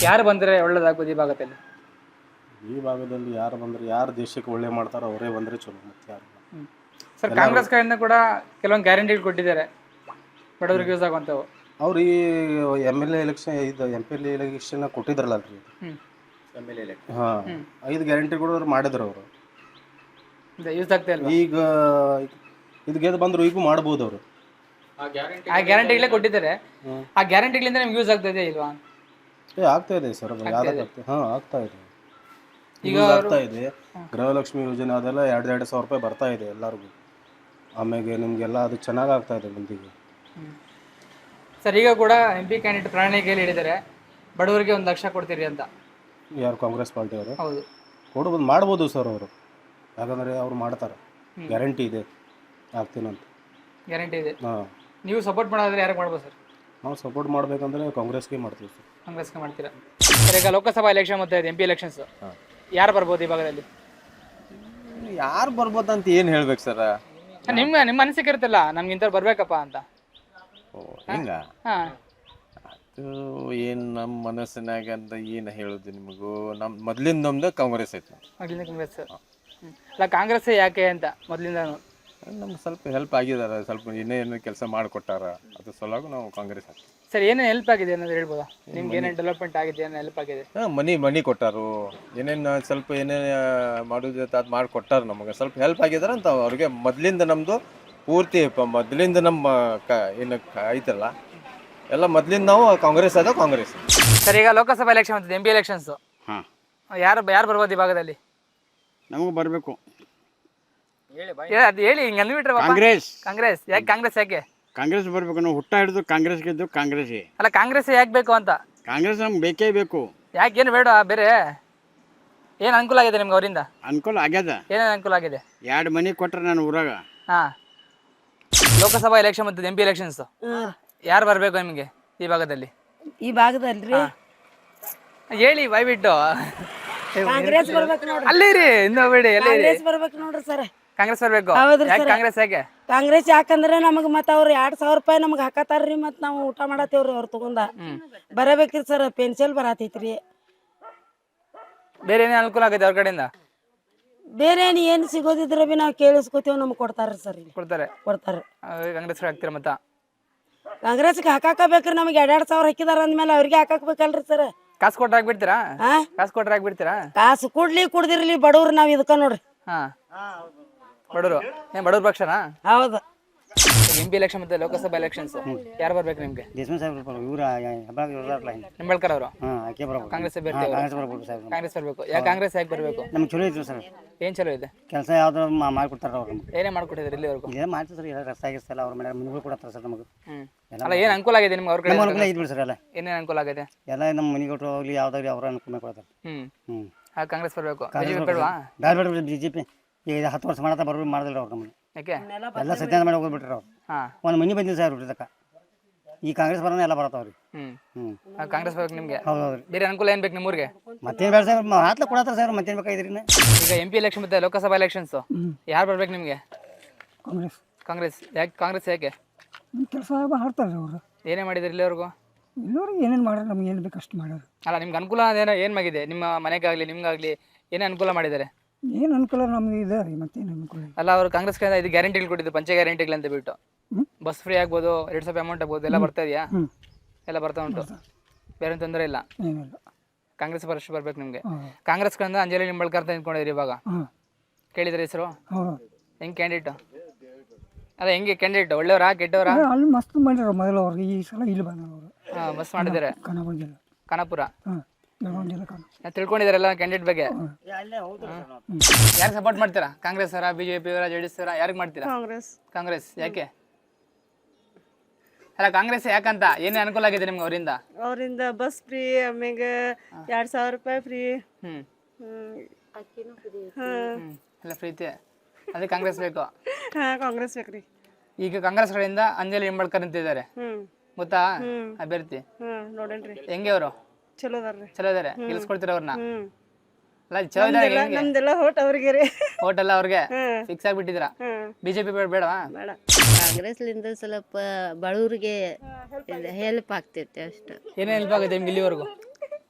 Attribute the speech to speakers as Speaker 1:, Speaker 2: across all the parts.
Speaker 1: ಯಾರು ಬಂದರೆ ಒಳ್ಳೇದಾಗ್ಬೋದು ಈ ಭಾಗದಲ್ಲಿ?
Speaker 2: ಈ ಭಾಗದಲ್ಲಿ ಯಾರು ಬಂದರೆ, ಯಾರು ದೇಶಕ್ಕೆ ಒಳ್ಳೆ ಮಾಡ್ತಾರೋ ಅವರೇ ಬಂದರೆ ಚಲೋ. ಮತ್ತೆ ಯಾರು
Speaker 1: ಸರ್, ಕಾಂಗ್ರೆಸ್ ಕಡೆಯಿಂದ ಕೂಡ ಕೆಲವೊಂದು ಗ್ಯಾರಂಟಿಗಳು ಕೊಟ್ಟಿದ್ದಾರೆ ಬಡವರಿಗೆ ಯೂಸ್ ಆಗುವಂಥವು.
Speaker 2: ಅವ್ರು ಈ ಎಮ್ ಎಲ್ ಎ ಎಲೆಕ್ಷನ್ ಕೊಟ್ಟಿದ್ರಲ್ಲ ರೀ, ಹಾಂ, 5 ಗ್ಯಾರಂಟಿಗಳು ಅವ್ರು ಮಾಡಿದ್ರು ಅವರು.
Speaker 1: ಯೂಸ್ ಆಗ್ತಾ ಇಲ್ಲ.
Speaker 2: ಈಗ ಇದು ಗೆದ್ದು ಬಂದರು, ಈಗೂ ಮಾಡ್ಬೋದು ಅವರು.
Speaker 1: ಆ ಗ್ಯಾರಂಟಿಗಳೇ ಕೊಟ್ಟಿದ್ದಾರೆ. ಆ ಗ್ಯಾರಂಟಿಗಳಿಂದ ನಿಮ್ಗೆ ಯೂಸ್ ಆಗ್ತಾ ಇದೆ ಇಲ್ವಾ?
Speaker 2: ಆಗ್ತಾ ಇದೆ ಸರ್, ಯಾವ್ದಾಗ್ತದೆ? ಹಾಂ, ಆಗ್ತಾ ಇದೆ. ಈಗ ಆಗ್ತಾ ಇದೆ. ಗೃಹಲಕ್ಷ್ಮಿ ಯೋಜನೆ ಅದೆಲ್ಲ 2,000 ರೂಪಾಯಿ ಬರ್ತಾ ಇದೆ ಎಲ್ಲರಿಗೂ. ಆಮೇಲೆ ನಿಮಗೆಲ್ಲ ಅದು ಚೆನ್ನಾಗಿ ಆಗ್ತಾ ಇದೆ ಮುಂದಿಗೆ.
Speaker 1: ಸರ್, ಈಗ ಕೂಡ MP ಕ್ಯಾಂಡಿಡೇಟ್ ಪ್ರಣಾಳಿಕೆಯಲ್ಲಿ ಹೇಳಿದ್ದಾರೆ ಬಡವರಿಗೆ 1 ಲಕ್ಷ ಕೊಡ್ತೀರಿ ಅಂತ.
Speaker 2: ಯಾರು? ಕಾಂಗ್ರೆಸ್ ಪಾರ್ಟಿಯವರು?
Speaker 1: ಹೌದು,
Speaker 2: ಕೊಡ್ಬೋದು, ಮಾಡ್ಬೋದು ಸರ್ ಅವರು. ಯಾಕಂದರೆ ಅವ್ರು ಮಾಡ್ತಾರೆ, ಗ್ಯಾರಂಟಿ ಇದೆ, ಆಗ್ತೀನಂತ
Speaker 1: ಗ್ಯಾರಂಟಿ ಇದೆ.
Speaker 2: ಹಾಂ,
Speaker 1: ನೀವು ಸಪೋರ್ಟ್ ಮಾಡೋದ್ರೆ ಯಾರಿಗೆ ಮಾಡ್ಬೋದು ಸರ್?
Speaker 2: ನಾವು ಸಪೋರ್ಟ್ ಮಾಡಬೇಕಂದ್ರೆ ಕಾಂಗ್ರೆಸ್ಗೆ ಮಾಡ್ತೀವಿ ಸರ್.
Speaker 1: ಕಾಂಗ್ರೆಸ್ಗೆ ಮಾಡ್ತೀರಾ ಸರ್? ಈಗ ಲೋಕಸಭಾ ಎಲೆಕ್ಷನ್ ಮತ್ತು MP ಎಲೆಕ್ಷನ್ಸ್, ಯಾರು ಬರ್ಬೋದು ಈ ಭಾಗದಲ್ಲಿ?
Speaker 3: ಯಾರು ಬರ್ಬೋದು ಅಂತ ಏನು ಹೇಳ್ಬೇಕು ಸರ್?
Speaker 1: ನಿಮ್ಮ ಅನಿಸಿಕೆ ಇರುತ್ತಲ್ಲ, ನಮ್ಗೆ ಇಂಥವ್ರು ಬರ್ಬೇಕಪ್ಪ ಅಂತ.
Speaker 3: ಓ, ಹಿಂಗ?
Speaker 1: ಹಾಂ,
Speaker 3: ಅದು ಏನು ನಮ್ಮ ಮನಸ್ಸಿನಾಗ ಅಂತ ಏನು ಹೇಳೋದು ನಿಮಗೂ? ಮೊದಲಿಂದ ನಮ್ದು ಕಾಂಗ್ರೆಸ್ ಐತೆ.
Speaker 1: ಮೊದಲಿಂದ ಕಾಂಗ್ರೆಸ್. ಅಲ್ಲ, ಕಾಂಗ್ರೆಸ್ ಯಾಕೆ ಅಂತ ಮೊದಲಿಂದ
Speaker 3: ನಮ್ಗೆ ಸ್ವಲ್ಪ ಹೆಲ್ಪ್ ಆಗಿದ್ದಾರೆ, ಸ್ವಲ್ಪ ಏನೇನು ಕೆಲಸ ಮಾಡಿಕೊಟ್ಟಾರ, ಅದ್ರ ಸಲುವಾಗಿ ನಾವು ಕಾಂಗ್ರೆಸ್ ಹಾಕ್ತೀವಿ.
Speaker 1: ಸರ್, ಏನೇನು ಹೆಲ್ಪ್ ಆಗಿದೆ ಅನ್ನೋದು ಹೇಳ್ಬೋದಾ? ನಿಮ್ಗೆ ಏನೇನು ಡೆವಲಪ್ಮೆಂಟ್ ಆಗಿದೆ, ಏನೇನು ಹೆಲ್ಪ್ ಆಗಿದೆ?
Speaker 3: ಹಾಂ, ಮನಿ ಕೊಟ್ಟಾರು, ಏನೇನು ಸ್ವಲ್ಪ ಏನೇನು ಮಾಡೋದು ಅದು ಮಾಡಿಕೊಟ್ಟಾರ. ನಮಗೆ ಸ್ವಲ್ಪ ಹೆಲ್ಪ್ ಆಗಿದ್ದಾರೆ ಅಂತ ಅವ್ರಿಗೆ. ಮೊದಲಿಂದ ನಮ್ಮದು ಪೂರ್ತಿ ಮೊದಲಿಂದ ನಮ್ಮ ಏನು ಐತಲ್ಲ ಎಲ್ಲ ಮೊದಲಿಂದ ನಾವು ಕಾಂಗ್ರೆಸ್ ಅದ ಕಾಂಗ್ರೆಸ್.
Speaker 1: ಸರ್, ಈಗ ಲೋಕಸಭಾ ಎಲೆಕ್ಷನ್ ಮತ್ತು MP ಎಲೆಕ್ಷನ್ಸು,
Speaker 4: ಹಾಂ,
Speaker 1: ಯಾರು ಬರ್ಬೋದು ಈ ಭಾಗದಲ್ಲಿ?
Speaker 4: ನಮಗೆ ಬರಬೇಕು
Speaker 1: ಅದು ಹೇಳಿ, ಹಿಂಗೆ ಅಂದ್ಬಿಟ್ರೆ
Speaker 4: ಕಾಂಗ್ರೆಸ್.
Speaker 1: ಕಾಂಗ್ರೆಸ್ ಯಾಕೆ? ಕಾಂಗ್ರೆಸ್ ಯಾಕೆ?
Speaker 4: ಕಾಂಗ್ರೆಸ್ ಬರಬೇಕು. ನಾವು ಹುಟ್ಟ ಹಿಡಿದು ಕಾಂಗ್ರೆಸ್ ಗೆದ್ದು ಕಾಂಗ್ರೆಸ್ಗೆ.
Speaker 1: ಅಲ್ಲ, ಕಾಂಗ್ರೆಸ್ ಯಾಕೆ ಬೇಕು ಅಂತ?
Speaker 4: ಕಾಂಗ್ರೆಸ್ ನಮ್ಗೆ ಬೇಕೇ ಬೇಕು.
Speaker 1: ಯಾಕೇನು ಬೇಡ ಬೇರೆ? ಏನು ಅನುಕೂಲ ಆಗಿದೆ ನಿಮ್ಗೆ ಅವರಿಂದ?
Speaker 4: ಅನುಕೂಲ ಆಗ್ಯದ.
Speaker 1: ಏನೇನು ಅನುಕೂಲ ಆಗಿದೆ?
Speaker 4: 2 ಮನೆ ಕೊಟ್ರೆ ನಾನು ಊರಾಗ.
Speaker 1: ಹಾಂ, ಲೋಕಸಭಾ ಎಲೆಕ್ಷನ್ ಮತ್ತು MP ಎಲೆಕ್ಷನ್ಸ್, ಯಾರು ಬರಬೇಕು ನಿಮಗೆ ಈ ಭಾಗದಲ್ಲಿ?
Speaker 5: ಈ ಭಾಗದಲ್ರಿ
Speaker 1: ಹೇಳಿ ಬಾಯ್ಬಿಟ್ಟು.
Speaker 5: ಕಾಂಗ್ರೆಸ್ ಬರ್ಬೇಕು ನೋಡ್ರಿ.
Speaker 1: ಅಲ್ಲಿ ರೀ, ಇನ್ನೂ ಬೇಡಿ, ಎಲ್ಲಿ
Speaker 5: ಕಾಂಗ್ರೆಸ್ ಬರ್ಬೇಕು ನೋಡ್ರಿ ಸರ್.
Speaker 1: ಕಾಂಗ್ರೆಸ್ ಬರಬೇಕು.
Speaker 5: ಹೌದ್ರಿ
Speaker 1: ಯಾಕೆ
Speaker 5: ಸರ್.
Speaker 1: ಕಾಂಗ್ರೆಸ್ ಯಾಕೆ?
Speaker 5: ಕಾಂಗ್ರೆಸ್ ಯಾಕಂದ್ರೆ ನಮಗ್ ಮತ್ತ ಅವ್ರು 2,000 ರೂಪಾಯಿ ನಮಗ್ ಹಾಕತಾರ್ರಿ. ಮತ್ ನಾವು ಊಟ ಮಾಡತ್ತೇವ್ರಿ ಅವ್ರು ತಗೊಂಡ. ಬರಬೇಕ್ರಿ ಸರ್, ಪೆನ್ಷನ್ ಬರತೈತ್ರಿ.
Speaker 1: ಬೇರೆ ಏನೇನು ಅನುಕೂಲ ಆಗಿದೆ ಅವ್ರ ಕಡೆಯಿಂದ?
Speaker 5: ಬೇರೆ ಏನ್ ಸಿಗೋದಿದ್ರ ಬಿ ನಾವ್ ಕೇಳಿಸ್ಕೊತೇವ್, ನಮ್ಗ್ ಕೊಡ್ತಾರ್ರಿ ಸರ್. ಇಲ್ಲಿ
Speaker 1: ಕೊಡ್ತಾರೆ. ಕಾಂಗ್ರೆಸ್ ಹಾಕ್ತೀರ ಮತ್ತ?
Speaker 5: ಕಾಂಗ್ರೆಸ್ಗೆ ಹಾಕಾಕ ಬೇಕ್ರಿ. ನಮಗ್ 2,000 ಹಾಕಿದಾರ ಅಂದ್ಮೇಲೆ ಅವ್ರಿಗೆ ಹಾಕಬೇಕಲ್ರಿ ಸರ್.
Speaker 1: ಕಾಸು ಕೊಟ್ರೆ ಹಾಕ್ಬಿಡ್ತೀರಾ?
Speaker 5: ಹಾ,
Speaker 1: ಕಾಸು ಕೊಟ್ರೆ ಹಾಕ್ಬಿಡ್ತೀರಾ?
Speaker 5: ಕಾಸು ಕುಡ್ದಿರ್ಲಿ ಬಡವ್ರು ನಾವ್ ಇದಕ್ಕ ನೋಡ್ರಿ.
Speaker 1: ಹಾ, ಬಡವರು ಏನ್ ಬಡವ್ರ ಪಕ್ಷನಾ?
Speaker 5: ಹೌದು.
Speaker 1: MP ಎಲೆಕ್ಷನ್ ಮತ್ತೆ ಲೋಕಸಭಾ ಎಲೆಕ್ಷನ್ಸ್, ಯಾರು ಬರ್ಬೇಕು ನಿಮ್ಗೆ? ನಿಂಬಳ್ಕರ್ ಅವರು ಕಾಂಗ್ರೆಸ್ ಅಭ್ಯರ್ಥಿ. ಕಾಂಗ್ರೆಸ್ ಬರ್ಬೇಕು. ಯಾಕೆ ಕಾಂಗ್ರೆಸ್ ಯಾಕೆ ಬರ್ಬೇಕು?
Speaker 6: ನಮ್ಗೆ ಚಲೋ ಐತಿ ಸರ್.
Speaker 1: ಏನ್ ಚಲೋ ಇದೆ?
Speaker 6: ಕೆಲಸ ಯಾವ್ದು ಮಾಡ್ಕೊಡ್ತಾರ ಅವ್ರು.
Speaker 1: ಏನೇ ಮಾಡ್ಕೊಟ್ಟಿದ್ರು ಇಲ್ಲಿವರೆಗೂ?
Speaker 6: ಇದೇ ಮಾಡ್ತೀವಿ ಸರ್. ಎಲ್ಲ ರಸ್ತೆ ಆಗಿಸ್ತಲ್ಲ ಅವ್ರ ಮನೆ ಮನೆಗಳು ಕೊಡತ್ತಾರ ಸರ್ ನಮಗೆ.
Speaker 1: ಅಲ್ಲ, ಏನ್ ಅನುಕೂಲ ಆಗಿದೆ ನಿಮ್ಗೆ ಅವ್ರ ಕಡೆ?
Speaker 6: ಅನುಕೂಲ ಐತಿ ಬಿಡಿ ಸರ್. ಎಲ್ಲ
Speaker 1: ಏನೇನು ಅನುಕೂಲ ಆಗಿದೆ?
Speaker 6: ಎಲ್ಲ ನಮ್ಮ ಮನೆಗಳು ಹೋಗ್ಲಿ ಯಾವ್ದಾಗ್ಲಿ ಅವ್ರ ಅನುಕೂಲ ಕೊಡ್ತಾರೆ.
Speaker 1: ಕಾಂಗ್ರೆಸ್ ಬರ್ಬೇಕು. BJP ಬೇಡವಾ?
Speaker 6: ಬೇಡ BJP ಈಗ 10 ವರ್ಷ ಮಾಡತ್ತ ಬರೋರು ಮಾಡ್ದಿಲ್ಲ ಅವ್ರು ನಮ್ಮನ್ನು.
Speaker 1: ಯಾಕೆ?
Speaker 6: ಎಲ್ಲ ಸತ್ಯಾನ ಮಾಡಿ ಹೋಗ್ಬಿಟ್ರಿ ಅವ್ರು. ಒಂದು ಮನೆ ಬಂದಿದ್ದು ಸರ್ ಬಿಟ್ಟಿದ್ದಕ್ಕ. ಈ ಕಾಂಗ್ರೆಸ್ ಬರೋಣ ಎಲ್ಲ ಬರತ್ತಾವ್ರಿ.
Speaker 1: ಕಾಂಗ್ರೆಸ್ ಬರ್ಬೇಕು ನಿಮ್ಗೆ?
Speaker 6: ಹೌದೌದ್ರಿ.
Speaker 1: ಬೇರೆ ಅನುಕೂಲ ಏನ್ ಬೇಕು ನಿಮ್ಮೂರಿಗೆ?
Speaker 6: ಮತ್ತೇನು ಬೇಡ ಸರ್, ಹಾತ್ಲ ಕೊಡತ್ತಾರ ಸರ್. ಮತ್ತೇನು ಬೇಕಾಗಿದ್ರಿ?
Speaker 1: ಈಗ MP ಎಲೆಕ್ಷನ್ ಮತ್ತೆ ಲೋಕಸಭಾ ಎಲೆಕ್ಷನ್ಸ್, ಯಾರು ಬರ್ಬೇಕು ನಿಮ್ಗೆ?
Speaker 6: ಕಾಂಗ್ರೆಸ್.
Speaker 1: ಕಾಂಗ್ರೆಸ್ ಯಾಕೆ? ಕಾಂಗ್ರೆಸ್ ಯಾಕೆ?
Speaker 6: ಕೆಲಸ ಮಾಡ್ತಾರೆ ಅವರು.
Speaker 1: ಏನೇ ಮಾಡಿದ್ರು ಇಲ್ಲಿವರೆಗೂ?
Speaker 6: ಇಲ್ಲಿವರೆಗೆ ಏನೇನು ಮಾಡ್ಯಾರ, ನಮ್ಗೆ ಏನು ಬೇಕು ಅಷ್ಟು ಮಾಡ್ಯಾರ.
Speaker 1: ಅಲ್ಲ, ನಿಮ್ಗೆ ಅನುಕೂಲ ಏನೋ ಏನು ಆಗಿದೆ? ನಿಮ್ಮ ಮನೆಗಾಗಲಿ ನಿಮ್ಗಾಗಲಿ ಏನೇ ಅನುಕೂಲ ಮಾಡಿದ್ದಾರೆ?
Speaker 6: ಏನು ಅನುಕೂಲ ನಮ್ಗೆ ಇದೆ ರೀ, ಮತ್ತೇನು ಅನುಕೂಲ?
Speaker 1: ಅಲ್ಲ, ಅವರು ಕಾಂಗ್ರೆಸ್ ಕಡೆಯಿಂದ ಇದು ಗ್ಯಾರಂಟಿಗಳು ಕೊಟ್ಟಿದ್ದು, ಪಂಚ ಗ್ಯಾರಂಟಿಗಳು ಅಂತ ಬಿಟ್ಟು. ಬಸ್ ಫ್ರೀ ಆಗ್ಬೋದು, 2,000 ಅಮೌಂಟ್ ಆಗ್ಬೋದು, ಎಲ್ಲ ಬರ್ತಾ ಇದೆಯಾ? ಎಲ್ಲ ಬರ್ತಾ ಉಂಟು, ಬೇರೆ ತೊಂದರೆ ಇಲ್ಲ. ಕಾಂಗ್ರೆಸ್ ಪಕ್ಷ ಬರ್ಬೇಕು ನಿಮಗೆ. ಕಾಂಗ್ರೆಸ್ ಕಡೆಯಿಂದ ಅಂಜಲಿ ನಿಂಬಳ್ಕರ್ ಅಂತ ನಿಂತ್ಕೊಂಡಿದ್ರಿ ಇವಾಗ, ಕೇಳಿದ್ರೆ ಹೆಸರು? ಹೆಂಗೆ ಕ್ಯಾಂಡಿಡೇಟ್? ಅಲ್ಲ, ಹೆಂಗೆ ಕ್ಯಾಂಡಿಡೇಟ್? ಒಳ್ಳೆಯವರಾ ಕೆಟ್ಟವರಾ?
Speaker 6: ಅಲ್ಲಿ ಮಸ್ತ್ ಮಾಡ್ಯಾರ ಮೊದಲು ಅವ್ರಿಗೆ. ಈ ಸಲ ಇಲ್ಲಿ ಬಂದವರು.
Speaker 1: ಮಸ್ತ್ ಮಾಡಿದ್ದಾರೆ. ಖಾನಾಪುರ ತಿಳ್ಕೊಂಡಿದಾರಲ್ಲ ಕ್ಯಾಂಡಿಡೇಟ್ ಬಗ್ಗೆ. ಯಾರು ಸಪೋರ್ಟ್ ಮಾಡ್ತೀರಾ? ಕಾಂಗ್ರೆಸ್ ಅವರ, BJP ಅವರ, JDS ಅವರ, ಯಾರಿಗೆ ಮಾಡ್ತೀರಾ? ಕಾಂಗ್ರೆಸ್ ಯಾಕೆ? ಅಲ್ಲ, ಕಾಂಗ್ರೆಸ್ ಯಾಕಂತ? ಏನೇ ಅನುಕೂಲ ಆಗಿದೆ ನಿಮ್ಗೆ ಅವರಿಂದ?
Speaker 7: ಅವರಿಂದ ಬಸ್ ಫ್ರೀ, ಆಮೇಲೆ 2,000 ರೂಪಾಯಿ ಫ್ರೀ.
Speaker 1: ಎಲ್ಲ ಫ್ರೀ ಐತೆ. ಅದೇ ಕಾಂಗ್ರೆಸ್ ಬೇಕು.
Speaker 7: ಕಾಂಗ್ರೆಸ್ ಬೇಕ್ರಿ.
Speaker 1: ಈಗ ಕಾಂಗ್ರೆಸ್ ಕಡೆಯಿಂದ ಅಂಜಲಿ ನಿಂಬಳ್ಕರ್ ಅಂತಿದ್ದಾರೆ, ಗೊತ್ತಾ ಅಭ್ಯರ್ಥಿ?
Speaker 7: ನೋಡೇನ್ರಿ.
Speaker 1: ಹೆಂಗೆ ಅವರು?
Speaker 7: ಚಲೋ ಅದಾರ್ರಿ.
Speaker 1: ಚಲೋ ಇದಾರೆ. ಗೆಲ್ಸ್ಕೊಡ್ತೀರ ಅವ್ರನ್ನ? ಅಲ್ಲ, ಚಲೋ
Speaker 7: ನಮ್ದೆಲ್ಲ ಹೋಟ್ ಅವ್ರಿಗೆ ರೀ.
Speaker 1: ಹೋಟ್ ಎಲ್ಲ ಅವ್ರಿಗೆ ಫಿಕ್ಸ್ ಆಗ್ಬಿಟ್ಟಿದ್ರ? BJP ಬೇಡವಾ?
Speaker 8: ಕಾಂಗ್ರೆಸ್ಲಿಂದ ಸ್ವಲ್ಪ ಬಡವರಿಗೆ ಹೆಲ್ಪ್ ಆಗ್ತೈತೆ ಅಷ್ಟು.
Speaker 1: ಏನೇ ಹೆಲ್ಪ್ ಆಗುತ್ತೆ ನಿಮ್ಗೆ ಇಲ್ಲಿವರೆಗೂ?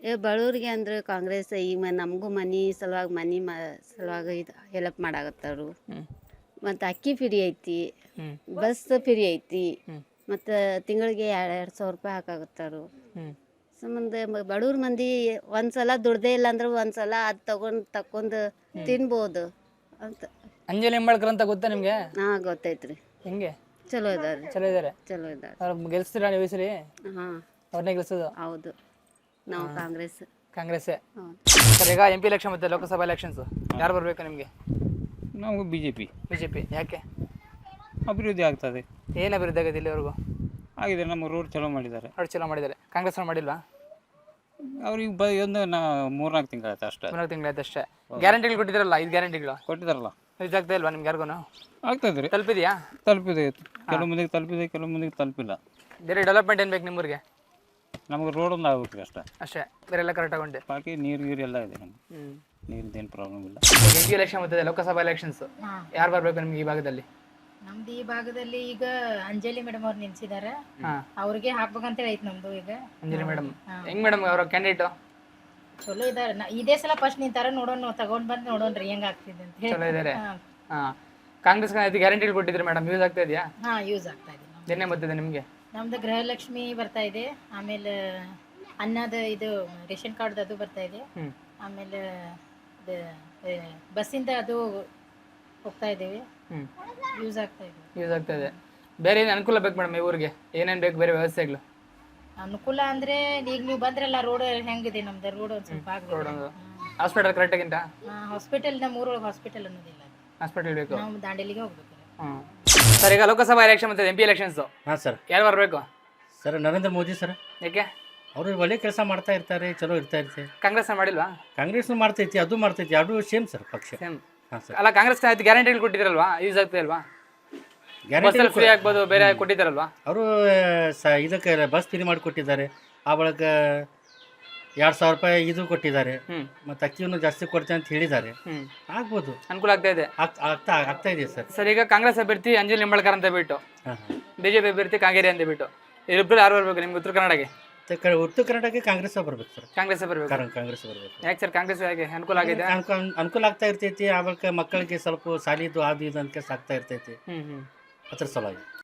Speaker 8: ಬಡವ್ರಿಗೆ ಅಂದ್ರೆ ಕಾಂಗ್ರೆಸ್ ಈಗ ನಮಗೂ ಮನೆ ಸಲುವಾಗಿ ಸಲುವಾಗಿ ಇದು ಹೆಲ್ಪ್ ಮಾಡಾಕತ್ತಾರು. ಮತ್ತು ಅಕ್ಕಿ ಫ್ರೀ ಐತಿ, ಬಸ್ ಫ್ರೀ ಐತಿ, ಮತ್ತು ತಿಂಗಳಿಗೆ 2,000 ರೂಪಾಯಿ ಹಾಕಾಕತ್ತಾರು. ಸಂಬಂಧ ಬಡವ್ರ ಮಂದಿ ಒಂದ್ಸಲ ದುಡ್ದೇ ಇಲ್ಲ ಅಂದ್ರೆ ಒಂದ್ಸಲ ಅದು ತಕೊಂಡು ತಿನ್ಬೋದು ಅಂತ.
Speaker 1: ಅಂಜಲಿ ನಿಂಬಾಳ್ಕರ್ ಅಂತ ಗೊತ್ತಾ ನಿಮ್ಗೆ?
Speaker 8: ಹಾಂ ಗೊತ್ತೈತ್ರಿ.
Speaker 1: ಹೆಂಗೆ?
Speaker 8: ಚಲೋ ಇದಾರೆ,
Speaker 1: ಚಲೋ ಇದಾರೆ.
Speaker 8: ಚಲೋ ಇದಾರೆ.
Speaker 1: ಅವ್ರು ಗೆಲ್ಸ್ತೀರಾ ನೀವು ಈ ಸರಿ?
Speaker 8: ಹಾಂ
Speaker 1: ಅವ್ರನ್ನೇ ಗೆಲ್ಸೋದು?
Speaker 8: ಹೌದು, ನಾವು ಕಾಂಗ್ರೆಸ್.
Speaker 1: ಕಾಂಗ್ರೆಸ್ಸೇ.
Speaker 8: ಹೌದು.
Speaker 1: ಸರ್ ಈಗ MP ಎಲೆಕ್ಷನ್ ಮತ್ತೆ ಲೋಕಸಭಾ ಎಲೆಕ್ಷನ್ಸ್ ಯಾರು ಬರಬೇಕು ನಿಮಗೆ?
Speaker 9: ನಾವು BJP.
Speaker 1: BJP. ಯಾಕೆ?
Speaker 9: ಅಭಿವೃದ್ಧಿ ಆಗ್ತದೆ.
Speaker 1: ಏನು ಅಭಿವೃದ್ಧಿ ಆಗಿದೆ ಇಲ್ಲಿವರೆಗೂ?
Speaker 9: ಆಗಿದೆ, ನಮ್ಮ ರೋಡ್ ಚಲೋ ಮಾಡಿದ್ದಾರೆ.
Speaker 1: ಅವ್ರು ಚಲೋ ಮಾಡಿದ್ದಾರೆ. ಕಾಂಗ್ರೆಸ್ ಅವ್ರು ಮಾಡಿಲ್ವಾ?
Speaker 9: ಅವ್ರಿಗೆ ಒಂದು 3-4 ತಿಂಗಳಾಯ್ತು ಅಷ್ಟೇ.
Speaker 1: 3 ತಿಂಗಳಾಯ್ತು ಅಷ್ಟೇ. ಗ್ಯಾರಂಟಿಗಳು ಕೊಟ್ಟಿದ್ದಾರಲ್ಲ, 5 ಗ್ಯಾರಂಟಿಗಳು
Speaker 9: ಕೊಟ್ಟಿದ್ದಾರಲ್ಲ,
Speaker 1: ಯೂಸ್ ಆಗ್ತಾ ಇಲ್ವಾ ನಿಮ್ಗೆ ಯಾರಿಗೂ?
Speaker 9: ಆಗ್ತದೆ ರೀ.
Speaker 1: ತಲುಪಿದೆಯಾ?
Speaker 9: ತಲುಪಿದೆ, ಕೆಲವು ಮಂದಿಗೆ ತಲುಪಿದೆ, ಕೆಲವು ಮಂದಿಗೆ ತಲುಪಿಲ್ಲ.
Speaker 1: ಬೇರೆ ಡೆವಲಪ್ಮೆಂಟ್ ಏನು ಬೇಕು ನಿಮ್ಮೂರಿಗೆ?
Speaker 9: ನಮಗೆ ರೋಡ್ ಒಂದು ಆಗ್ಬೇಕು ಅಷ್ಟೇ.
Speaker 1: ಅಷ್ಟೇ, ಬೇರೆ ಎಲ್ಲ ಕರೆಕ್ಟ್ ಆಗೊಂಡೆ.
Speaker 9: ಬಾಕಿ ನೀರು ಗೀರು ಎಲ್ಲ ಇದೆ ನಮ್ಗೆ, ನೀರಿದ್ದೇನು ಪ್ರಾಬ್ಲಮ್ ಇಲ್ಲ.
Speaker 1: MP ಎಲೆಕ್ಷನ್ ಮತ್ತೆ ಲೋಕಸಭಾ ಎಲೆಕ್ಷನ್ಸ್ ಯಾರು ಬರಬೇಕು ನಿಮ್ಗೆ ಈ ಭಾಗದಲ್ಲಿ?
Speaker 10: ನಮ್ದು ಈ ಭಾಗದಲ್ಲಿ ಈಗ ಅಂಜಲಿ ಮೇಡಮ್ ಅವ್ರು ನಿಲ್ಸಿದಾರೆ,
Speaker 1: ಹಾಂ,
Speaker 10: ಅವ್ರಿಗೆ ಹಾಕ್ಬೇಕಂತೇಳಿ ಐತಿ ನಮ್ದು. ಈಗ
Speaker 1: ಅಂಜಲಿ ಮೇಡಮ್ ಹೆಂಗ್ ಮೇಡಮ್ ಅವರ ಕ್ಯಾಂಡಿಡೇಟು?
Speaker 10: ಚಲೋ ಇದಾರೆ. ಇದೇ ಸಲ ಫಸ್ಟ್ ನಿಂತಾರ, ನೋಡೋಣ, ತಗೊಂಡ್ ಬಂದು ನೋಡೋಣ್ರಿ ಹೆಂಗ್ ಆಗ್ತಿದೆ ಅಂತ ಹೇಳಿ.
Speaker 1: ಚಲೋ ಇದ್ದಾರೆ. ಹಾಂ, ಕಾಂಗ್ರೆಸ್ ಗ್ಯಾರಂಟಿಗಳು ಕೊಟ್ಟಿದ್ರು ಮೇಡಮ್, ಯೂಸ್ ಆಗ್ತಾ ಇದೆಯಾ?
Speaker 10: ಹಾ, ಯೂಸ್ ಆಗ್ತಾ ಇದೆ.
Speaker 1: ಏನೇ ಬರ್ತಿದೆ ನಿಮಗೆ?
Speaker 10: ನಮ್ದು ಗೃಹಲಕ್ಷ್ಮಿ ಬರ್ತಾ ಇದೆ, ಆಮೇಲೆ ಅನ್ನದ ಇದು ರೇಷನ್ ಕಾರ್ಡ್ ಅದು ಬರ್ತಾ ಇದೆ, ಆಮೇಲೆ ಬಸ್ಸಿಂದ ಅದು ಹೋಗ್ತಾ ಇದ್ದೇವೆ, ಯೂಸ್ ಆಗ್ತಾ ಇದೆ.
Speaker 1: ಯೂಸ್ ಆಗ್ತಾ ಇದೆ. ಬೇರೆ ಏನು ಅನುಕೂಲ ಬೇಕು ಮೇಡಮ್ ಈ ಊರಿಗೆ? ಏನೇನು ಬೇಕು ಬೇರೆ ವ್ಯವಸ್ಥೆಗಳು?
Speaker 10: ಅನುಕೂಲ ಅಂದ್ರೆ ಈಗ ನೀವು ಬಂದ್ರಲ್ಲ, ರೋಡ್ ಹೆಂಗಿದೆ ನಮ್ದು, ರೋಡ್ ಒಂದು ಸ್ವಲ್ಪ
Speaker 1: ರೋಡ್
Speaker 10: ಆಗ್ಬೇಕು.
Speaker 1: ಹಾಸ್ಪಿಟಲ್ ಕರೆಕ್ಟಾಗಿಂತ?
Speaker 10: ಹಾಸ್ಪಿಟಲ್ ನಮ್ಮ ಊರೊಳಗೆ ಹಾಸ್ಪಿಟಲ್ ಅನ್ನೋದಿಲ್ಲ,
Speaker 1: ಹಾಸ್ಪಿಟಲ್ ಬೇಕು.
Speaker 10: ನಾವು ದಾಂಡೇಲಿಗೆ ಹೋಗ್ಬೇಕು.
Speaker 1: ಹಾಂ ಸರ್, ಈಗ ಲೋಕಸಭಾ ಎಲೆಕ್ಷನ್ ಮತ್ತು MP ಎಲೆಕ್ಷನ್ಸು
Speaker 11: ಹಾಂ ಸರ್.
Speaker 1: ಯಾರು ಬರಬೇಕು?
Speaker 11: Sir Narendra Modi sir.
Speaker 1: ಯಾಕೆ?
Speaker 11: ಅವರು ಒಳ್ಳೆ ಕೆಲಸ ಮಾಡ್ತಾ ಇರ್ತಾರೆ, ಚಲೋ ಇರ್ತಾ ಇರ್ತೆ.
Speaker 1: ಕಾಂಗ್ರೆಸ್ ಮಾಡಿಲ್ವಾ?
Speaker 11: ಕಾಂಗ್ರೆಸ್ನು ಮಾಡ್ತೈತಿ, ಅದು ಮಾಡ್ತೈತಿ, ಎರಡು ಸೇಮ್ ಸರ್ ಪಕ್ಷ.
Speaker 1: ಸೇಮ್.
Speaker 11: ಹಾಂ ಸರ್.
Speaker 1: ಅಲ್ಲ, ಕಾಂಗ್ರೆಸ್ ಗ್ಯಾರಂಟಿಗಳು ಕೊಟ್ಟಿದ್ರಲ್ವಾ, ಯೂಸ್ ಆಗ್ತಾ ಇಲ್ವಾ? ಬಸ್ಸಲ್ಲಿ ಫ್ರೀ ಆಗ್ಬೋದು, ಬೇರೆ ಕೊಟ್ಟಿದ್ದಾರಲ್ವಾ?
Speaker 11: ಅವರು ಇದಕ್ಕೆ ಬಸ್ ಫ್ರೀ ಮಾಡಿ ಕೊಟ್ಟಿದ್ದಾರೆ. ಆ ಬಳಿಕ 2,000 ರೂಪಾಯಿ ಇದು ಕೊಟ್ಟಿದ್ದಾರೆ, ಮತ್ತು ಅಕ್ಕಿಯನ್ನು ಜಾಸ್ತಿ ಕೊಡ್ತೇವೆ ಅಂತ ಹೇಳಿದ್ದಾರೆ. ಆಗ್ಬೋದು,
Speaker 1: ಅನುಕೂಲ ಆಗ್ತಾ ಇದೆ.
Speaker 11: ಆಗ್ತಾ ಇದೆ ಸರ್.
Speaker 1: ಸರ್, ಈಗ ಕಾಂಗ್ರೆಸ್ ಅಭ್ಯರ್ಥಿ ಅಂಜಲಿ ನಿಂಬಾಳ್ಕರ್ ಅಂತ ಬಿಟ್ಟು,
Speaker 11: ಹಾಂ ಹಾಂ,
Speaker 1: BJP ಅಭ್ಯರ್ಥಿ ಕಾಂಗೇರಿ ಅಂತ ಬಿಟ್ಟು, ಇಬ್ಬರು ಯಾರು ಬರಬೇಕು ನಿಮ್ಗೆ ಉತ್ತರ ಕನ್ನಡಕ್ಕೆ?
Speaker 11: ಉತ್ತರ ಕರ್ನಾಟಕಕ್ಕೆ ಕಾಂಗ್ರೆಸ್ ಬರ್ಬೇಕು ಸರ್.
Speaker 1: ಕಾಂಗ್ರೆಸ್ ಬರಬೇಕು.
Speaker 11: ಕಾಂಗ್ರೆಸ್ ಬರ್ಬೇಕು.
Speaker 1: ಯಾಕೆ ಸರ್ ಕಾಂಗ್ರೆಸ್ ಯಾಕೆ ಅನುಕೂಲ ಆಗಿದೆ?
Speaker 11: ಅನುಕೂಲ ಆಗ್ತಾ ಇರ್ತೈತಿ. ಆ ಬಳಿಕ ಮಕ್ಕಳಿಗೆ ಸ್ವಲ್ಪ ಸಾಲಿದು ಅದು ಇದು ಅಂತ ಸಾಕ್ತಾ ಇರ್ತೈತಿ, ಅದ್ರ ಸಲುವಾಗಿ.